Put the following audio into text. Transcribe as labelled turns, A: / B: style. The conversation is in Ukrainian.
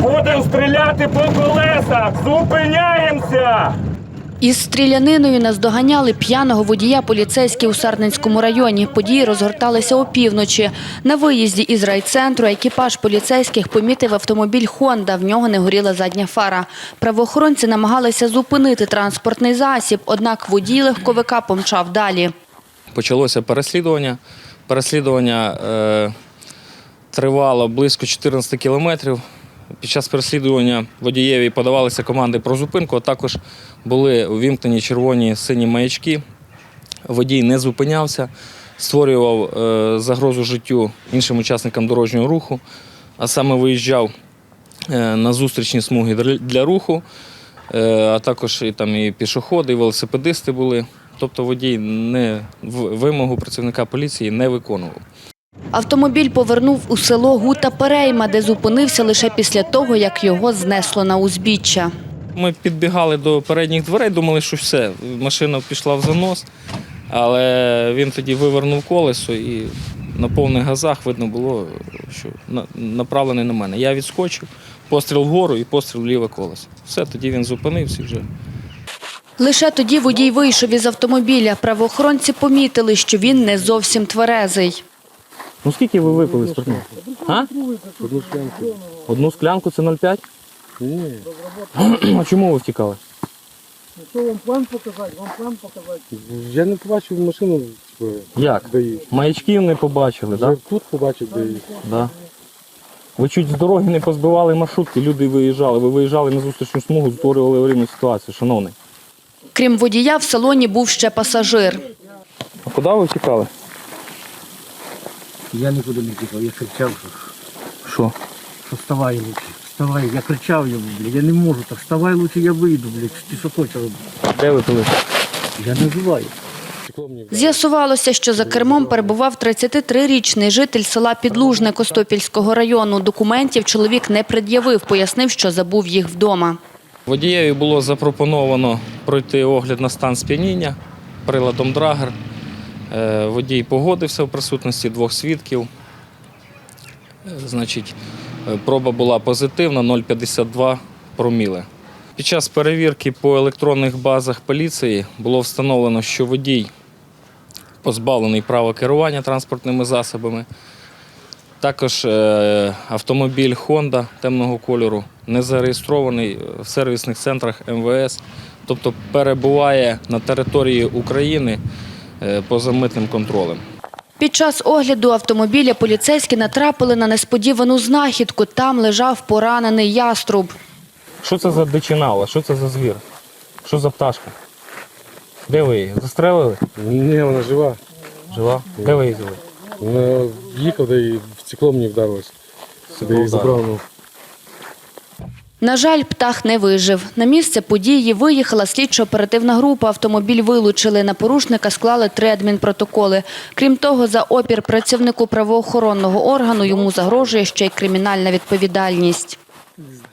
A: Будемо стріляти по колесах! Зупиняємося!
B: Із стріляниною наздоганяли п'яного водія поліцейські у Сарненському районі. Події розгорталися опівночі. На виїзді із райцентру екіпаж поліцейських помітив автомобіль «Хонда». В нього не горіла задня фара. Правоохоронці намагалися зупинити транспортний засіб, однак водій легковика помчав далі.
C: Почалося переслідування. Переслідування тривало близько 14 кілометрів. Під час переслідування водієві подавалися команди про зупинку, а також були увімкнені червоні сині маячки. Водій не зупинявся, створював загрозу життю іншим учасникам дорожнього руху, а саме виїжджав на зустрічні смуги для руху, а також і пішоходи, і велосипедисти були. Тобто водій вимогу працівника поліції не виконував.
B: Автомобіль повернув у село Гута-Перейма, де зупинився лише після того, як його знесло на узбіччя.
C: Ми підбігали до передніх дверей, думали, що все, машина пішла в занос, але він тоді вивернув колесо і на повних газах видно було, що направлений на мене. Я відскочив, постріл вгору і постріл в ліве колесо. Все, тоді він зупинився вже.
B: Лише тоді водій вийшов із автомобіля. Правоохоронці помітили, що він не зовсім тверезий.
C: Ну скільки ви випили спиртного? А?
D: Одну склянку.
C: Одну склянку це 0,5?
D: Ні.
C: А чому ви втікали?
E: Що вам план показати? Вам план показати?
D: Я не побачив машину,
C: Як?
D: де її.
C: Маячків не побачили, так?
D: Я тут побачив, де її.
C: Да. Ви чуть з дороги не позбивали маршрутки, люди виїжджали. Ви виїжджали на зустрічну смугу, створювали аварійну ситуацію, шановний.
B: Крім водія, в салоні був ще пасажир.
C: А куди ви втікали?
E: Я нікуди не тікав, я кричав,
C: Що?
E: що вставай лучше, вставай. Я кричав йому, блядь, я не можу так, вставай лучше, я вийду, блядь, ти що хочеш робити?
C: Де ви пили?
E: Я не вживаю.
B: З'ясувалося, що за кермом перебував 33-річний житель села Підлужне Костопільського району. Документів чоловік не пред'явив, пояснив, що забув їх вдома.
C: Водієві було запропоновано пройти огляд на стан сп'яніння приладом Драгер. Водій погодився в присутності двох свідків. Значить, проба була позитивна, 0,52 проміле. Під час перевірки по електронних базах поліції було встановлено, що водій позбавлений права керування транспортними засобами. Також автомобіль «Хонда» темного кольору не зареєстрований в сервісних центрах МВС, тобто перебуває на території України поза митним контролем.
B: Під час огляду автомобіля поліцейські натрапили на несподівану знахідку. Там лежав поранений яструб.
C: Що це за дичинала? Що це за звір? Що за пташка? Де ви її? Застрелили?
D: Ні, вона жива.
C: Жива? Де ви її взяли?
D: Вона їхала, де і в стекло мені вдарилось. Де її забрав.
B: На жаль, птах не вижив. На місце події виїхала слідчо-оперативна група. Автомобіль вилучили. На порушника склали 3 адмінпротоколи. Крім того, за опір працівнику правоохоронного органу йому загрожує ще й кримінальна відповідальність.